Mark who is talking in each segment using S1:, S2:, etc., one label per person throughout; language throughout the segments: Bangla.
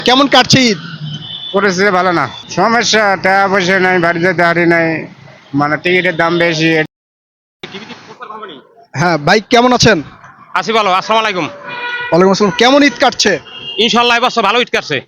S1: কেমন কাটছে ঈদ?
S2: পরিস্থিতি ভালো না। সমস্যা টাকা পয়সা নাই, বাড়ি যেতে হারি নাই, মানে টিকিটের দাম বেশি।
S1: হ্যাঁ ভাই, কেমন আছেন?
S3: আছি ভালো। আসসালামু আলাইকুম।
S1: ওয়ালাইকুম আসসালাম। কেমন ঈদ কাটছে?
S3: ইনশাল্লাহ এবছর ভালো ঈদ কাটছে।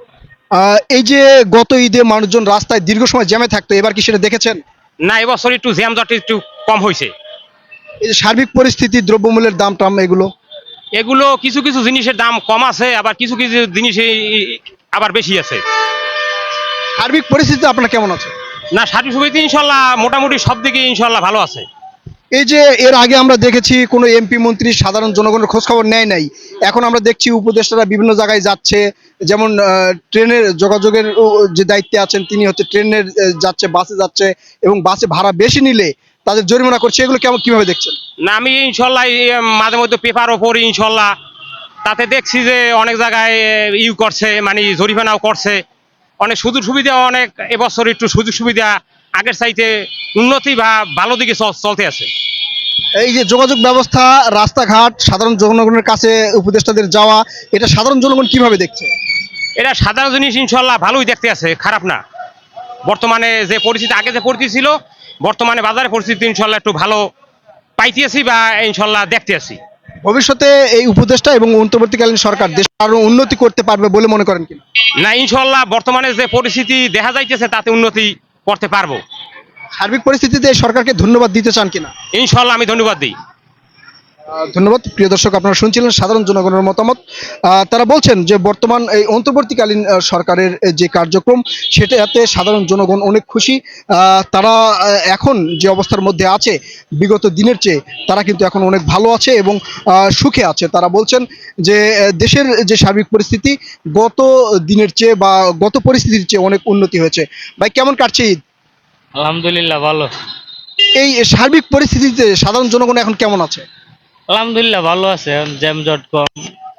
S1: এই যে গত ঈদে মানুষজন রাস্তায় দীর্ঘ সময় জ্যামে থাকতো, এবার কি সেটা দেখেছেন?
S3: না, এবছর একটু জ্যামজট একটু কম হয়েছে।
S1: এই যে সার্বিক পরিস্থিতি, দ্রব্যমূল্যের দাম টাম এগুলো।
S3: এগুলো কিছু কিছু জিনিসের দাম কম আছে, আবার কিছু কিছু জিনিস আবার বেশি আছে।
S1: সার্বিক পরিস্থিতি আপনার কেমন আছে?
S3: না, সার্বিক সুবিধা ইনশাল্লাহ মোটামুটি সব দিকে ইনশাল্লাহ ভালো আছে।
S1: এই যে এর আগে আমরা দেখেছি কোনো এমপি মন্ত্রী সাধারণ জনগণের খোঁজ খবর নেয় নাই, এখন আমরা দেখছি উপদেষ্টারা বিভিন্ন জায়গায় যাচ্ছে। যেমন ট্রেনের যোগাযোগের যে দায়িত্বে আছেন তিনি হচ্ছে ট্রেনের যাচ্ছে, বাসে যাচ্ছে, এবং বাসে ভাড়া বেশি নিলে তাদের জরিমানা করছে। এগুলো কেমন, কিভাবে দেখছেন?
S3: না, আমি ইনশাল্লাহ মাঝে মধ্যে পেপারও পড়ি ইনশাল্লাহ, তাতে দেখছি যে অনেক জায়গায় করছে, মানে জরিমানাও করছে। অনেক সুযোগ সুবিধা, অনেক এবছর একটু সুযোগ সুবিধা আগের চাইতে উন্নতি বা ভালো দিকে চলতে আছে।
S1: এই যে যোগাযোগ ব্যবস্থা, রাস্তাঘাট, সাধারণ জনগণের কাছে উপদেষ্টাদের যাওয়া, এটা সাধারণ জনগণ কিভাবে দেখছে?
S3: এটা সাধারণ জিনিস ইনশাল্লাহ ভালোই দেখতে আছে, খারাপ না। বর্তমানে যে পরিস্থিতি, আগে যে পরিস্থিতি ছিল, বর্তমানে বাজারের পরিস্থিতি ইনশাল্লাহ একটু ভালো পাইতেছি বা ইনশাল্লাহ দেখতে আছি।
S1: ভবিষ্যতে এই উপদেষ্টা এবং অন্তর্বর্তীকালীন সরকার দেশ আরো উন্নতি করতে পারবে বলে মনে করেন কিনা?
S3: না, ইনশাল্লাহ বর্তমানে যে পরিস্থিতি দেখা যাইতেছে তাতে উন্নতি করতে পারবো।
S1: সার্বিক পরিস্থিতিতে এই সরকারকে ধন্যবাদ দিতে চান কিনা?
S3: ইনশাল্লাহ আমি ধন্যবাদ দিই।
S1: ধন্যবাদ। প্রিয় দর্শক, আপনারা শুনছিলেন সাধারণ জনগণের মতামত। তারা বলছেন যে বর্তমান এই অন্তর্বর্তীকালীন সরকারের যে কার্যক্রম, সেটাতে সাধারণ জনগণ অনেক খুশি। তারা এখন যে অবস্থার মধ্যে আছে, বিগত দিনের চেয়ে তারা কিন্তু এখন অনেক ভালো আছে এবং সুখে আছে। তারা বলছেন যে দেশের যে সার্বিক পরিস্থিতি গত দিনের চেয়ে বা গত পরিস্থিতির চেয়ে অনেক উন্নতি হয়েছে। ভাই, কেমন কাটছে ঈদ?
S4: আলহামদুলিল্লাহ ভালো।
S1: এই সার্বিক পরিস্থিতিতে সাধারণ জনগণ এখন কেমন আছে?
S4: আলহামদুলিল্লাহ ভালো আছে, এখন জ্যামজট কম,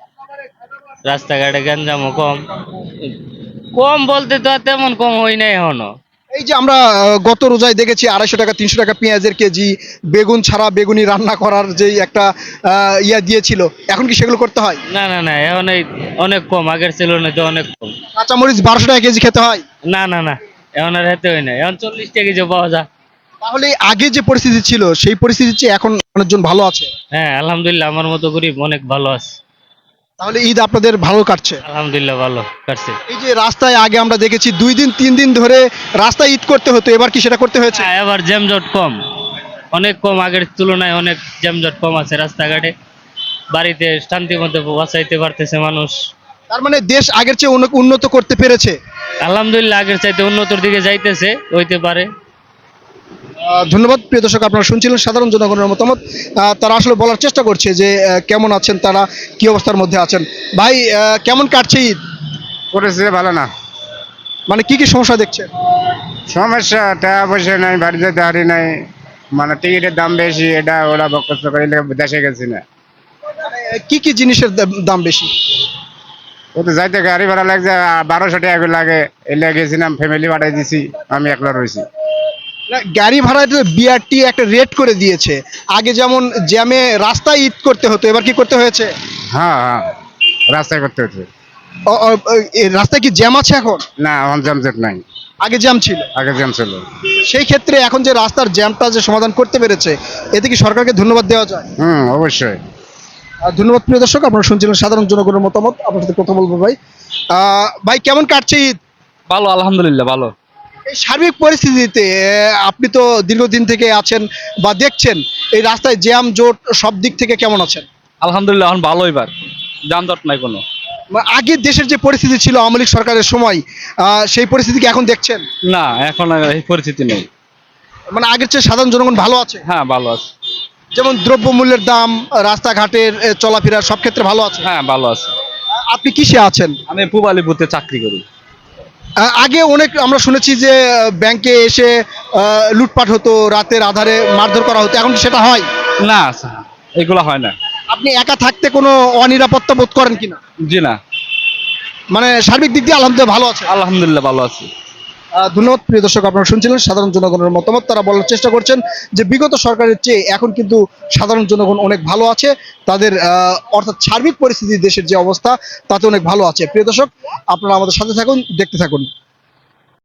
S4: রাস্তাঘাটে গ্যাঞ্জামও কম। কম বলতে তো আর তেমন কম হয় নাই এখনো।
S1: এই যে আমরা গত রোজায় দেখেছি 250 টাকা 300 টাকা পেঁয়াজের কেজি, বেগুন ছাড়া বেগুনি রান্না করার যে একটা দিয়েছিল, এখন কি সেগুলো করতে হয়?
S4: না না না, এখন এই অনেক কম, আগের ছিল না তো অনেক কম।
S1: কাঁচামরিচ 1200 টাকা কেজি খেতে হয়।
S4: না না না, এখন আর হেতে হয় না, এখন 40 টাকা কেজি পাওয়া যায়।
S1: তাহলে আগে যে পরিস্থিতি ছিল সেই পরিস্থিতির চেয়ে এখন অনেকজন ভালো আছে।
S4: হ্যাঁ আলহামদুলিল্লাহ, আমার মতো গরিব অনেক ভালো আছে।
S1: তাহলে ঈদ আপনাদের ভালো কাটছে।
S4: আলহামদুলিল্লাহ ভালো কাটছে।
S1: এই যে রাস্তায় আগে আমরা দেখেছি 2 দিন 3 দিন ধরে রাস্তায় ঈদ করতে হতো, এবার কি সেটা করতে হয়েছে?
S4: হ্যাঁ, এবার জ্যামজট কম, অনেক কম, আগের তুলনায় অনেক জ্যামজট কম আছে রাস্তাঘাটে। বাড়িতে শান্তি মতো বাঁচাইতে পারতেছে মানুষ।
S1: তার মানে দেশ আগের চেয়ে অনেক উন্নত করতে পেরেছে।
S4: আলহামদুলিল্লাহ, আগের চাইতে উন্নতির দিকে যাইতেছে, হইতে পারে।
S1: ধন্যবাদ। প্রিয় দর্শক, আপনারা শুনছিলেন সাধারণ জনগণের মতামত। তারা আসলে বলার চেষ্টা করছে যে কেমন আছেন তারা, কি অবস্থার মধ্যে আছেন। ভাই, কেমন কাটছে ঈদ?
S2: পরিস্থিতি ভালো না।
S1: মানে কি কি সমস্যা দেখছেন?
S2: সমস্যা টাকা পয়সা নাই, বাড়ি যেতে হারি নাই, মানে টিকিটের দাম বেশি, এটা ওরা বকস্ত করে দেশে গেছি না।
S1: কি কি জিনিসের দাম বেশি?
S2: ও তো যাইতে গাড়ি ভাড়া লাগছে 1200 টাকা করে লাগে, এলে গেছিলাম, ফ্যামিলি পাঠাই দিছি, আমি একলা রয়েছি।
S1: না, গাড়ি ভাড়া বিআরটি একটা রেট করে দিয়েছে। আগে যেমন জ্যামে রাস্তায় ঈদ করতে হতো, এবার কি করতে হয়েছে?
S2: হ্যাঁ হ্যাঁ, রাস্তায় করতে হচ্ছে।
S1: রাস্তায় কি জ্যাম আছে এখন?
S2: না, এখন জামজট নাই,
S1: আগে জ্যাম ছিল।
S2: আগে জ্যাম ছিল।
S1: সেই ক্ষেত্রে এখন যে রাস্তার জ্যামটা যে সমাধান করতে পেরেছে, এতে কি সরকারকে ধন্যবাদ দেওয়া যায়?
S2: অবশ্যই।
S1: ধন্যবাদ। প্রিয় দর্শক, আপনারা শুনছিলেন সাধারণ জনগণের মতামত। আপনার সাথে কথা বলবো ভাই। ভাই, কেমন কাটছে ঈদ?
S5: ভালো, আলহামদুলিল্লাহ ভালো।
S1: এই সার্বিক পরিস্থিতিতে আপনি তো দীর্ঘদিন থেকে আছেন বা দেখছেন, এই রাস্তায় জ্যাম জোট সব দিক থেকে কেমন আছেন?
S5: আলহামদুলিল্লাহ এখন ভালো, এবার যানজট নাই কোনো।
S1: আগে দেশের যে পরিস্থিতি ছিল আওয়ামী লীগ সরকারের সময়, সেই পরিস্থিতি কি এখন দেখছেন?
S5: না, এখন আর এই পরিস্থিতি নেই।
S1: মানে আগের চেয়ে সাধারণ জনগণ ভালো আছে।
S5: হ্যাঁ ভালো আছে।
S1: যেমন দ্রব্যমূল্যের দাম, রাস্তাঘাটের চলাফেরা সব ক্ষেত্রে ভালো আছে।
S5: হ্যাঁ ভালো আছে।
S1: আপনি কিসে আছেন?
S5: আমি পূবালীপুরতে চাকরি করি।
S1: আগে অনেক আমরা শুনেছি যে ব্যাংকে এসে লুটপাট হতো, রাতের আধারে মারধর করা হতো, এখন কি সেটা হয়?
S5: না, এগুলো হয় না।
S1: আপনি একা থাকতে কোনো অনিরাপত্তা বোধ করেন কিনা?
S5: জি না।
S1: মানে সার্বিক দিক দিয়ে আলহামদুলিল্লাহ ভালো আছে।
S5: আলহামদুলিল্লাহ ভালো আছি।
S1: ধন্যবাদ প্রিয় দর্শক, আপনারা শুনছিলেন সাধারণ জনগণের মতামত। তারা বলার চেষ্টা করছেন যে বিগত সরকারের চেয়ে এখন কিন্তু সাধারণ জনগণ অনেক ভালো আছে, তাদের অর্থাৎ সার্বিক পরিস্থিতি দেশের যে অবস্থা তাতে অনেক ভালো আছে। প্রিয় দর্শক, আপনারা আমাদের সাথে থাকুন, দেখতে থাকুন।